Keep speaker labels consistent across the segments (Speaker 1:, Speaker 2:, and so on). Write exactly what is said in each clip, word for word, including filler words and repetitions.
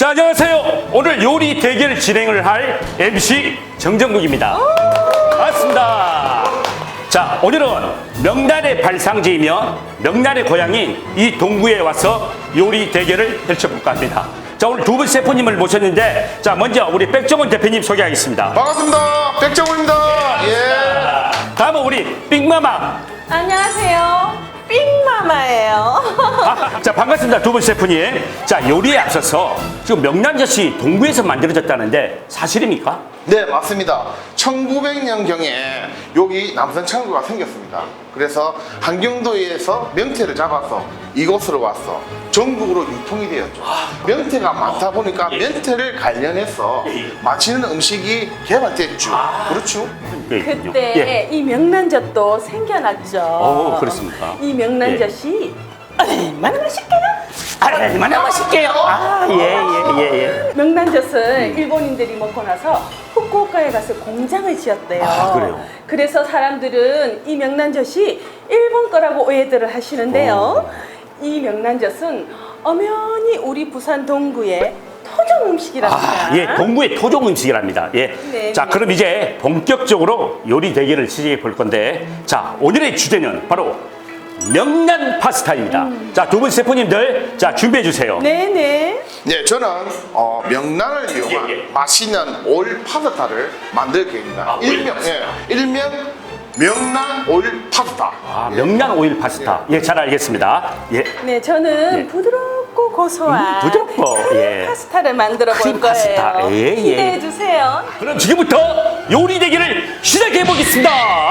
Speaker 1: 자, 안녕하세요. 오늘 요리 대결 진행을 할 엠씨 정정국입니다. 반갑습니다. 자, 오늘은 명란의 발상지이며 명란의 고향인 이 동구에 와서 요리 대결을 펼쳐볼까 합니다. 자, 오늘 두 분 셰프님을 모셨는데, 자, 먼저 우리 백종원 대표님 소개하겠습니다.
Speaker 2: 반갑습니다. 백정훈입니다. 예.
Speaker 1: 다음은 우리 빅마마.
Speaker 3: 안녕하세요. 삥마마예요.
Speaker 1: 아, 자, 반갑습니다. 두 분 셰프님. 자, 요리에 앞서서 지금 명란젓이 동구에서 만들어졌다는데 사실입니까?
Speaker 2: 네, 맞습니다. 천구백 년경에 여기 남산 창구가 생겼습니다. 그래서 한경도에서 명태를 잡아서 이곳으로 와서 전국으로 유통이 되었죠. 명태가 많다 보니까 명태를 관련해서 맛있는 음식이 개발됐죠. 그렇죠?
Speaker 3: 그때
Speaker 1: 예.
Speaker 3: 이 명란젓도 생겨났죠.
Speaker 1: 오, 그렇습니까?
Speaker 3: 이 명란젓이 얼마나 맛있게요?
Speaker 1: 얼마나 맛있게요? 아, 예, 예, 예, 예.
Speaker 3: 명란젓을 일본인들이 먹고 나서 후쿠오카에 가서 공장을 지었대요.
Speaker 1: 아, 그래요?
Speaker 3: 그래서 사람들은 이 명란젓이 일본 거라고 오해들을 하시는데요. 이 명란젓은 엄연히 우리 부산 동구의 토종 음식이랍니다.
Speaker 1: 아, 예, 동구의 토종 음식이랍니다. 예.
Speaker 3: 네,
Speaker 1: 자,
Speaker 3: 네.
Speaker 1: 그럼 이제 본격적으로 요리 대결을 시작해 볼 건데, 자, 오늘의 주제는 바로 명란 파스타입니다.
Speaker 3: 음.
Speaker 1: 자, 두 분 셰프님들, 자, 준비해 주세요.
Speaker 3: 네네.
Speaker 2: 네, 저는 어, 명란을 이용한
Speaker 1: 예, 예.
Speaker 2: 맛있는 올 파스타를 만들 계획입니다.
Speaker 1: 아,
Speaker 2: 일명, 예, 일명 명란 올 파스타.
Speaker 1: 아, 명란 오일 파스타. 예, 잘 알겠습니다. 예.
Speaker 3: 네, 저는
Speaker 1: 예.
Speaker 3: 부드럽고 고소한
Speaker 1: 음, 부드럽고,
Speaker 3: 크림
Speaker 1: 예.
Speaker 3: 파스타를 만들어 볼
Speaker 1: 크림
Speaker 3: 거예요.
Speaker 1: 파스타, 예, 예.
Speaker 3: 기대해 주세요.
Speaker 1: 그럼 지금부터 요리 대결을 시작해 보겠습니다.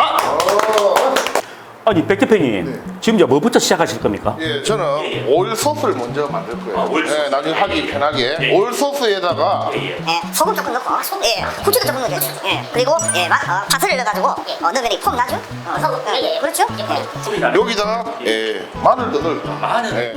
Speaker 1: 아니, 백 대표님, 지금 이제 뭐부터 시작하실 겁니까?
Speaker 2: 예, 저는 올 소스를 먼저 만들 거예요.
Speaker 1: 아, 올 소스.
Speaker 2: 예, 나중에 하기 편하게. 올 소스에다가
Speaker 4: 예, 소금 조금 넣고, 소, 예, 후추도 조금 넣어줘요. 예, 그리고 예, 마, 어, 파슬을 넣어가지고 어, 넣으면 이 폼 나죠? 어, 소금, 예, 예, 그렇죠? 예.
Speaker 2: 여기다가 예, 마늘도 넣을게요.
Speaker 1: 마늘.
Speaker 2: 예.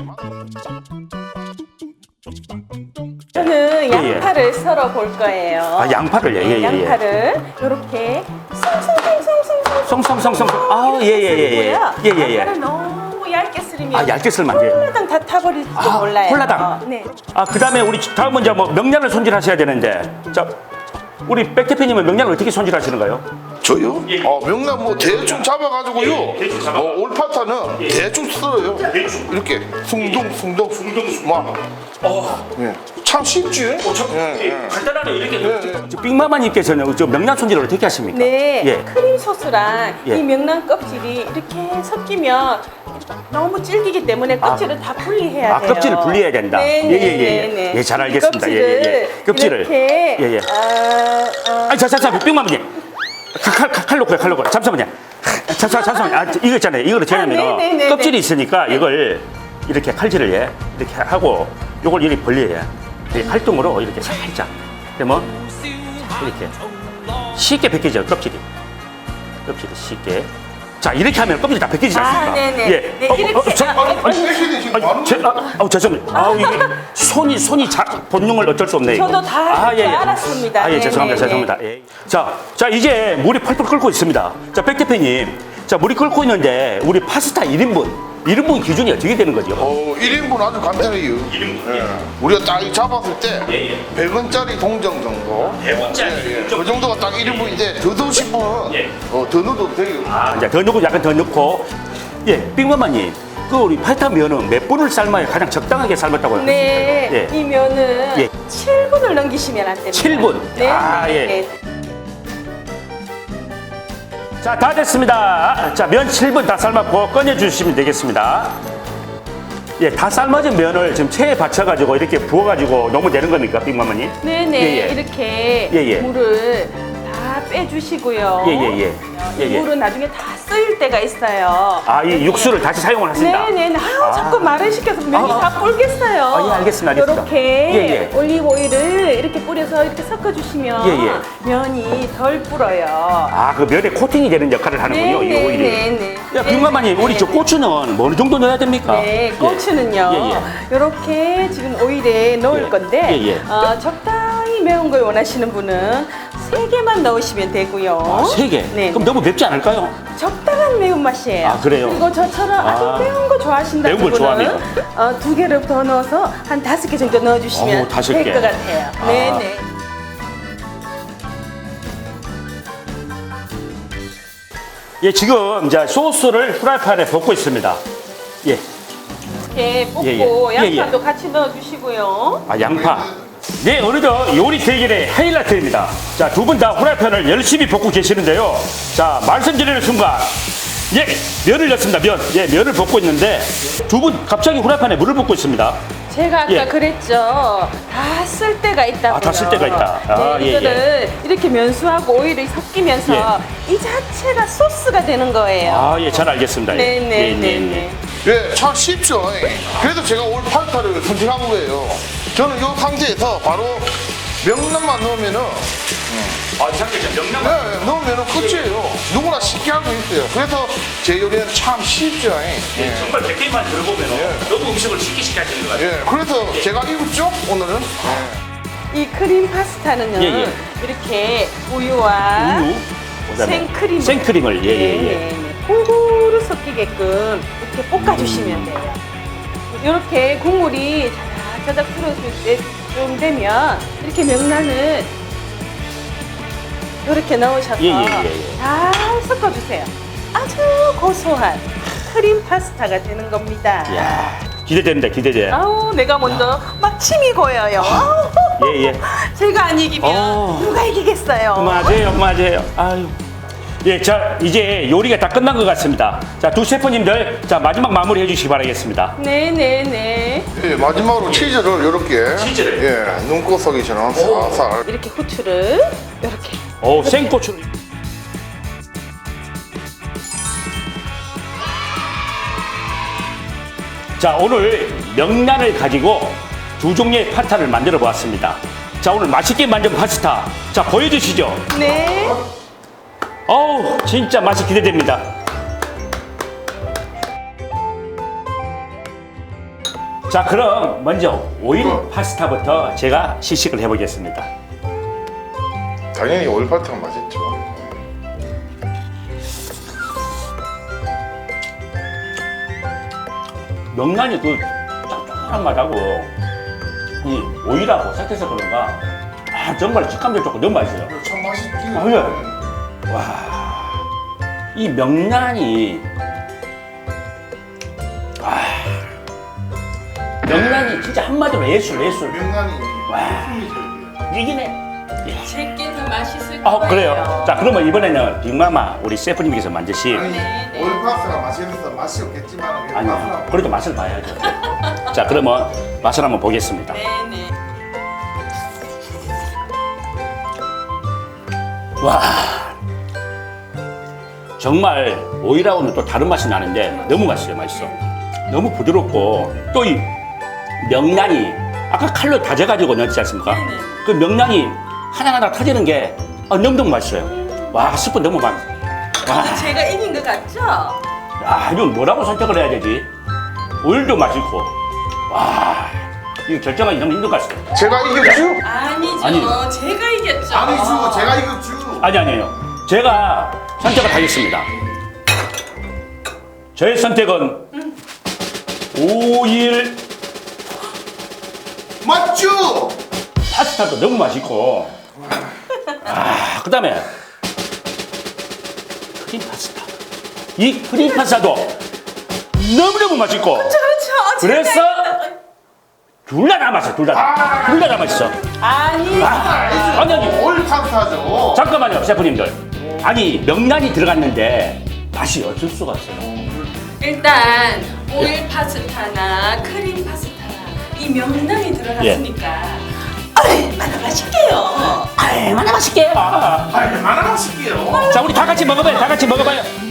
Speaker 3: 저는
Speaker 1: 예.
Speaker 3: 양파를 썰어 볼 거예요.
Speaker 1: 아, 양파를, 예, 예, 예.
Speaker 3: 양파를 이렇게 송송송송송송
Speaker 1: 송송송송. 아, 예, 예, 예, 예. 예, 예, 예.
Speaker 3: 양파를 너무 얇게 썰으면
Speaker 1: 아, 얇게 썰면 안 돼요?
Speaker 3: 홀라당 다 타버릴지도
Speaker 1: 아,
Speaker 3: 몰라요.
Speaker 1: 홀라당.
Speaker 3: 네.
Speaker 1: 아, 그 다음에 우리 다음은 이제 뭐 명란을 손질하셔야 되는데, 자, 우리 백 대표님은 명란을 어떻게 손질하시는가요?
Speaker 2: 저요? 어, 명란 뭐 대충 잡아가지고요.
Speaker 1: 대충 잡아?
Speaker 2: 어, 올파타는 대충 썰어요. 이렇게 숭둥 숭둥 숭둥 막.
Speaker 1: 어,
Speaker 2: 예. 참 쉽지? 예, 예.
Speaker 1: 간단하네 이렇게.
Speaker 2: 예, 예.
Speaker 1: 빅마마님께서는 저 명란 손질을 어떻게 하십니까?
Speaker 3: 네,
Speaker 1: 예.
Speaker 3: 크림 소스랑
Speaker 1: 예.
Speaker 3: 이 명란 껍질이 이렇게 섞이면 너무 질기기 때문에 껍질을 다 분리해야
Speaker 1: 아,
Speaker 3: 돼요.
Speaker 1: 껍질을 분리해야 된다.
Speaker 3: 네,
Speaker 1: 예, 예,
Speaker 3: 네,
Speaker 1: 예.
Speaker 3: 네, 네.
Speaker 1: 예, 잘
Speaker 3: 이
Speaker 1: 알겠습니다. 예, 예, 예. 껍질을.
Speaker 3: 이렇게
Speaker 1: 예, 예.
Speaker 3: 아, 아,
Speaker 1: 아니, 자, 자, 자, 빅마마님. 칼, 칼, 칼 놓고요, 칼 놓고. 잠시만요. 잠시만, 잠시만요. 아, 이거 있잖아요. 이거를 제가 하면
Speaker 3: 네, 네, 네,
Speaker 1: 껍질이
Speaker 3: 네.
Speaker 1: 있으니까 이걸 이렇게 칼질을 해. 이렇게 하고 요걸 이렇게 벌려야 해. 칼등으로 이렇게 살짝. 그러면 이렇게 쉽게 벗겨져요, 껍질이. 껍질이 쉽게. 자, 이렇게 하면 껍질이 다 벗겨지지
Speaker 3: 아,
Speaker 1: 않습니까?
Speaker 3: 네네.
Speaker 1: 예.
Speaker 3: 네,
Speaker 1: 어, 어,
Speaker 3: 이렇게.
Speaker 1: 저,
Speaker 3: 아,
Speaker 1: 아니, 아니,
Speaker 2: spek이 지금
Speaker 1: 아니,
Speaker 2: 많은
Speaker 1: 제, 아, 아, 죄송합니다. 아, 이게 손이 손이 자, 본능을 어쩔 수 없네요.
Speaker 3: 저도 다
Speaker 1: 아, 예, 예.
Speaker 3: 알았습니다.
Speaker 1: 아, 예,
Speaker 3: 네,
Speaker 1: 죄송합니다.
Speaker 3: 네,
Speaker 1: 죄송합니다. 예. 자, 자, 이제 물이 펄펄 끓고 있습니다. 자, 백 대표님. 자, 물이 끓고 있는데 우리 파스타 일 인분. 일 인분 기준이 어떻게 되는 거죠?
Speaker 2: 어, 일 인분 아주 간단해요.
Speaker 1: 일 인분.
Speaker 2: 예. 우리가 딱 잡았을 때
Speaker 1: 예, 예.
Speaker 2: 백 원짜리 동전 정도.
Speaker 1: 백 원짜리
Speaker 2: 예, 예.
Speaker 1: 동전.
Speaker 2: 그 정도가 딱 일 인분인데 더 넣고 싶으면
Speaker 1: 예.
Speaker 2: 어, 더 넣어도 돼요.
Speaker 1: 아, 이제 더 넣고 약간 더 넣고. 예, 빅마마님. 그 우리 파스타 면은 몇 분을 삶아야 가장 적당하게 삶았다고 하셨습니까?
Speaker 3: 네,
Speaker 1: 예.
Speaker 3: 이 면은
Speaker 1: 예.
Speaker 3: 칠 분을 넘기시면 안 됩니다.
Speaker 1: 칠 분.
Speaker 3: 네,
Speaker 1: 아,
Speaker 3: 네,
Speaker 1: 예.
Speaker 3: 네.
Speaker 1: 자, 다 됐습니다. 자, 면 칠 분 다 삶았고 꺼내주시면 되겠습니다. 예, 다 삶아진 면을 지금 체에 받쳐가지고 이렇게 부어가지고 넣으면 되는 겁니까, 빅마마님?
Speaker 3: 네네,
Speaker 1: 예, 예.
Speaker 3: 이렇게
Speaker 1: 예, 예.
Speaker 3: 물을 다 빼주시고요.
Speaker 1: 예, 예, 예. 예,
Speaker 3: 이
Speaker 1: 예.
Speaker 3: 물은 나중에 다 쓰일 때가 있어요.
Speaker 1: 아, 이 육수를 다시 사용을 하신다?
Speaker 3: 네네. 아유,
Speaker 1: 아.
Speaker 3: 자꾸 말을 시켜서 면이
Speaker 1: 아.
Speaker 3: 다 불겠어요.
Speaker 1: 아, 예, 알겠습니다, 알겠습니다.
Speaker 3: 이렇게
Speaker 1: 예, 예.
Speaker 3: 올리브 오일을 이렇게 뿌려서 이렇게 섞어주시면
Speaker 1: 예, 예.
Speaker 3: 면이 덜 불어요.
Speaker 1: 아, 그 면에 코팅이 되는 역할을 하는군요, 이 오일이.
Speaker 3: 네네.
Speaker 1: 야, 빅마마님, 우리 저 고추는 뭐 어느 정도 넣어야 됩니까?
Speaker 3: 네, 고추는요.
Speaker 1: 예, 예.
Speaker 3: 이렇게 지금 오일에 넣을
Speaker 1: 예.
Speaker 3: 건데
Speaker 1: 예, 예.
Speaker 3: 어, 적당히 매운 걸 원하시는 분은 세 개만 넣으시면 되고요.
Speaker 1: 아, 세 개?
Speaker 3: 네.
Speaker 1: 그럼 너무 맵지 않을까요?
Speaker 3: 적당한 매운맛이에요.
Speaker 1: 아, 그래요?
Speaker 3: 그리고 저처럼
Speaker 1: 아.
Speaker 3: 아주 매운 거 좋아하신다는
Speaker 1: 매운 걸
Speaker 3: 분은
Speaker 1: 좋아하면?
Speaker 3: 어, 두 개를 더 넣어서 한 다섯 개 정도 넣어주시면
Speaker 1: 어우, 다섯
Speaker 3: 될
Speaker 1: 개.
Speaker 3: 것 같아요.
Speaker 1: 아.
Speaker 3: 네네.
Speaker 1: 예, 지금 이제 소스를 프라이팬에 볶고 있습니다. 예.
Speaker 3: 이렇게 볶고
Speaker 1: 예, 예. 예,
Speaker 3: 양파도 같이 넣어주시고요.
Speaker 1: 아, 양파. 네, 어느덧 요리 대결의 하이라이트입니다. 자, 두 분 다 후라이팬을 열심히 볶고 계시는데요. 자, 말씀드리는 순간, 예, 면을 넣습니다. 면. 예, 면을 볶고 있는데, 두 분 갑자기 후라이팬에 물을 붓고 있습니다.
Speaker 3: 제가 아까
Speaker 1: 예.
Speaker 3: 그랬죠. 다 쓸 때가 있다고요.
Speaker 1: 아, 다 쓸 때가 있다. 아,
Speaker 3: 네,
Speaker 1: 예,
Speaker 3: 이거를 이렇게 면수하고 오일이 섞이면서 이 자체가 소스가 되는 거예요.
Speaker 1: 아, 예, 잘 알겠습니다. 예.
Speaker 3: 네네네네.
Speaker 1: 예, 네, 네.
Speaker 2: 예, 참 쉽죠. 그래서 제가 올 파스타를 선택한 거예요. 저는 이 상태에서 바로 명란만 넣으면은
Speaker 1: 아, 잠깐만, 명란.
Speaker 2: 네, 넣으면은 끝이에요. 누구나 쉽게 할 수 있어요. 그래서 제 요리는 참 쉽죠. 예.
Speaker 1: 정말 백 개만 들어보면
Speaker 2: 예.
Speaker 1: 너무 음식을 쉽게 쉽게 하시는 것 같아요.
Speaker 2: 예, 그래서 제가 입었죠 오늘은. 예.
Speaker 3: 이 크림 파스타는요.
Speaker 1: 예, 예.
Speaker 3: 이렇게 우유와
Speaker 1: 우유, 그다음에
Speaker 3: 생크림.
Speaker 1: 생크림을, 예, 예, 예.
Speaker 3: 골고루 섞이게끔 이렇게 볶아주시면
Speaker 1: 음.
Speaker 3: 돼요. 이렇게 국물이 자작자작 풀어줄 때좀 되면 이렇게 명란을 이렇게 넣으셔서
Speaker 1: 예, 예, 예, 예.
Speaker 3: 잘 섞어주세요. 아주 고소한 크림 파스타가 되는 겁니다.
Speaker 1: 이야, 기대됩니다, 기대돼.
Speaker 3: 아우, 내가 먼저 막 침이 고여요. 아우,
Speaker 1: 예, 예.
Speaker 3: 제가 안 이기면
Speaker 1: 어.
Speaker 3: 누가 이기겠어요?
Speaker 1: 맞아요, 맞아요. 아유. 예, 자, 이제 요리가 다 끝난 것 같습니다. 자, 두 셰프님들, 자, 마지막 마무리 해주시기 바라겠습니다.
Speaker 3: 네네네.
Speaker 2: 예, 마지막으로 치즈를 이렇게
Speaker 1: 치즈를?
Speaker 2: 예, 눈꽃석이처럼 살살.
Speaker 3: 이렇게 후추를 이렇게.
Speaker 1: 오, 생고추를. 자, 오늘 명란을 가지고 두 종류의 파스타를 만들어 보았습니다. 자, 오늘 맛있게 만든 파스타. 자, 보여주시죠.
Speaker 3: 네.
Speaker 1: 어우, 진짜 맛이 기대됩니다. 자, 그럼 먼저 오일 파스타부터 제가 시식을 해보겠습니다.
Speaker 2: 당연히 오일 파스타가 맛있죠.
Speaker 1: 명란이 그 짭짤한 맛하고 이 오일하고 섞여서 그런가 아, 정말 식감도 좋고 너무 맛있어요.
Speaker 2: 참 맛있지.
Speaker 1: 아, 그래. 와, 이 명란이 아, 명란이 진짜 한마디로 예술, 예술.
Speaker 2: 명란이
Speaker 1: 와. 이기네.
Speaker 3: 제게 더 맛있을
Speaker 1: 아, 그래요. 자, 그러면 이번에는 빅마마 우리 셰프님께서 만드신
Speaker 3: 네, 네.
Speaker 2: 오일 파스타가 맛있어서 맛이 없겠지만
Speaker 1: 아니요, 그래도 맛을 봐야죠. 자, 그러면 맛을 한번 보겠습니다.
Speaker 3: 네네.
Speaker 1: 와, 정말 오일하고는 또 다른 맛이 나는데 너무 맛있어요. 맛있어. 너무 부드럽고 또 이 명란이 아까 칼로 다져가지고 넣었지 않습니까?
Speaker 3: 네네.
Speaker 1: 그 명란이 하나하나 터지는 게 아, 너무너무 맛있어요. 와, 스프 너무 맛. 와,
Speaker 3: 제가 이긴 것 같죠?
Speaker 1: 아, 이거 뭐라고 선택을 해야 되지? 오일도 맛있고. 와, 이거 결정하기 너무 힘든 것 같습니다.
Speaker 2: 제가 이겼죠?
Speaker 3: 아니죠.
Speaker 1: 아니.
Speaker 3: 제가 이겼죠.
Speaker 2: 아니죠. 제가 이겼죠.
Speaker 1: 아니, 아니에요. 제가 선택을 하겠습니다. 저의 선택은 오일
Speaker 2: 맞죠?
Speaker 1: 파스타도 너무 맛있고, 아, 그 다음에 크림 파스타. 이 크림 파스타도 너무너무 맛있고,
Speaker 3: 그렇죠.
Speaker 1: 그래서 둘 다 다 맛있어, 둘 다 다. 둘 다 다 맛있어.
Speaker 3: 아니.
Speaker 1: 아니, 아니,
Speaker 2: 오일 파스타죠.
Speaker 1: 잠깐만요, 셰프님들. 아니, 명란이 들어갔는데 맛이 어쩔 수가 없어요.
Speaker 3: 일단 오일 파스타나 크림 파스타나 이 명란이 들어갔으니까 얼마나 맛있게요.
Speaker 1: 얼마나 맛있게요.
Speaker 2: 얼마나 맛있게요.
Speaker 1: 자, 우리 다 같이 먹어봐요, 다 같이 먹어봐요.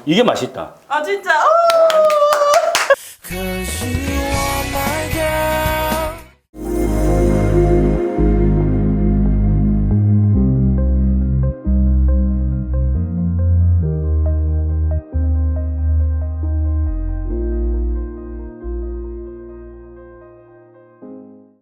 Speaker 1: 이게 맛있다.
Speaker 3: 아 진짜. 오!